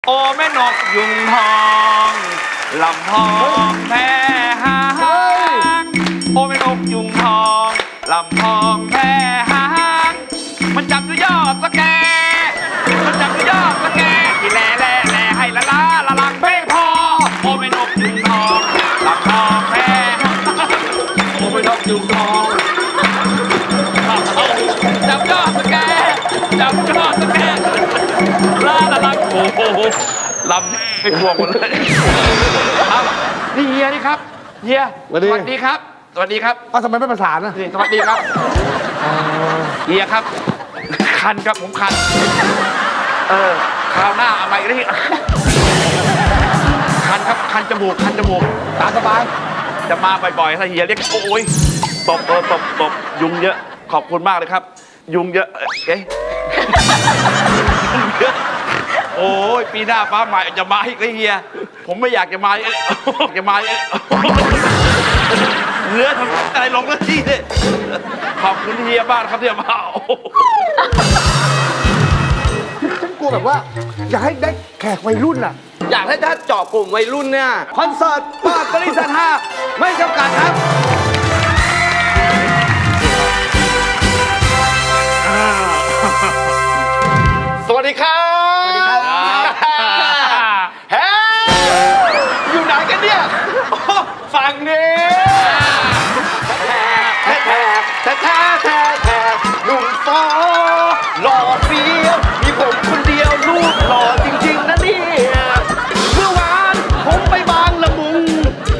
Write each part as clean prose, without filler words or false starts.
โอ้แม่นกยุงทองลำพองแพ้หางโอ้แม่นกยุงทองลำพองแพ้หางมันจับอยู่ยอดสแกมันจับอยู่ยอดสแกที่แล่ให้ละลาละลังไม่พอโอ้แม่นกยุงทองลำพองแพ้หางโอ้แม่นกยุงทองจับยอดสแกจับยอดสแกละลังโอ้โหลำให้พวงหมดเลยครับนี่เฮียนี่ครับเฮียสวัสดีครับสวัสดีครับทำไมไม่ประสานนะสวัสดีครับเฮียครับคันครับผมคันคราวหน้าเอาใหม่ดิคันครับคันจมูกตามสบายจะมาบ่อยๆถ้าเฮียเรียกโอ้ยตบยุงเยอะขอบคุณมากเลยครับยุงเยอะเอ๊ะโอ้ยปีหน้าฟ้าใหม่จะมาอีกเลยเฮียผมไม่อยากจะมาเนื้อทำอะไรลงแล้วที่เนี่ยขอบคุณเฮียบ้านครับที่มาฉันกลัวแบบว่าอยากให้ได้แขกวัยรุ่นน่ะอยากให้ถ้าเจาะกลุ่มวัยรุ่นเนี่ยคอนเสิร์ตเปิดบริษัทห้าไม่จำกัดครับสวัสดีครับสวัสดีครับเฮ้อยู่ไหนกันเนี่ยฝั่งนี้แท้หนุ่มฟอหล่อเฟี้ยวมีผมคนเดียวรูปหล่อจริงๆนะเนี่ยเมื่อวานผมไปบางละมุง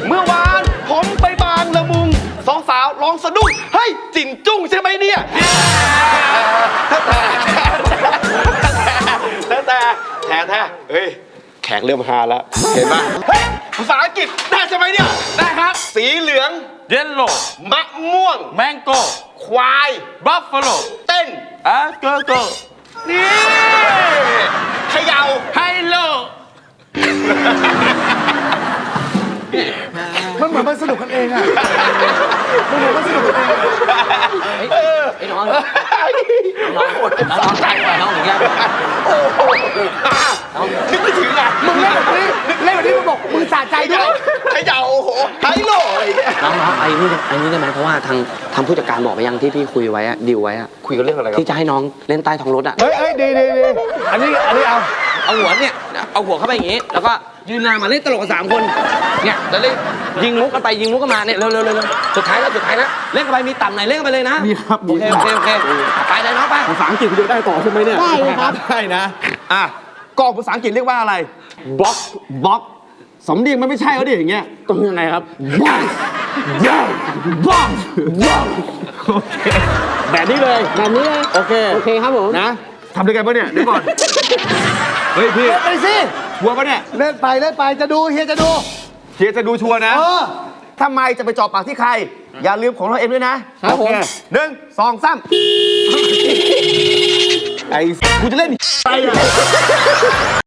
สองสาวร้องสะดุ้งเฮ้ยจิ่นจุ้งใช่ไหมเนี่ยแต่เฮ้ยแขกเริ่มฮาแล้วเห็นไหมเฮ้ยภาษาอังกฤษได้ใช่ไหมเนี่ยได้ครับสีเหลืองเยลโล่มะม่วงแมงโก้ควายบัฟฟาโลเต้นเกิร์ลนี่เขย่าไฮโลมันเหมือนมันสนุกกันเองอ่ะมันเหมือนมันสนุกกันเองไอ้น้องน้องใจกว่าน้องอย่างเงี้ยโอ้โหนึกไม่ถึงอ่ะมึงเล่นแบบนี้มึงบอกมึงสะใจด้วยเขย่าโอ้โหไฮโลอะไรเงี้ยน้องไอ้นี่ได้ไหมเพราะว่าทางผู้จัดการบอกไปยังที่พี่คุยไว้อะดิวไว้อะคุยกันเรื่องอะไรครับที่จะให้น้องเล่นใต้ท้องรถอะเฮ้ยดีอันนี้เอาหัวเนี่ยเอาหัวเข้าไปอย่างงี้แล้วก็ยืนหน้ามาเล่นตลกกัน3 คนเนี่ยแล้วเล่นยิงมุกกันไปยิงมุกกันมาเนี่ยเร็วสุดท้ายแล้วเล่นกันไปมีต่ำไหนเล่นกันไปเลยนะมีครับโอเคไปเลยน้องไปภาษาอังกฤษคุณจะได้ต่อใช่ไหมเนี่ยได้ครับได้นะกองภาษาอังกฤษเรียกว่าอะไรบล็อกสำเนียงมันไม่ใช่เขาดิอย่างเงี้ยต้องยังไงครับบล็อกแบบนี้เลยโอเคครับผมนะทำด้วยกันปะเนี่ยเดี๋ยวก่อนเฮ้ยพี่ไปสิชัวร์ปะเนี่ยเล่นไปจะดูเฮียจะดูชัวร์นะทำไมจะไปจอบปากที่ใครอย่าลืมของเราเองด้วยนะครับผม 1 2 3 ไอ้กูจะเล่นไป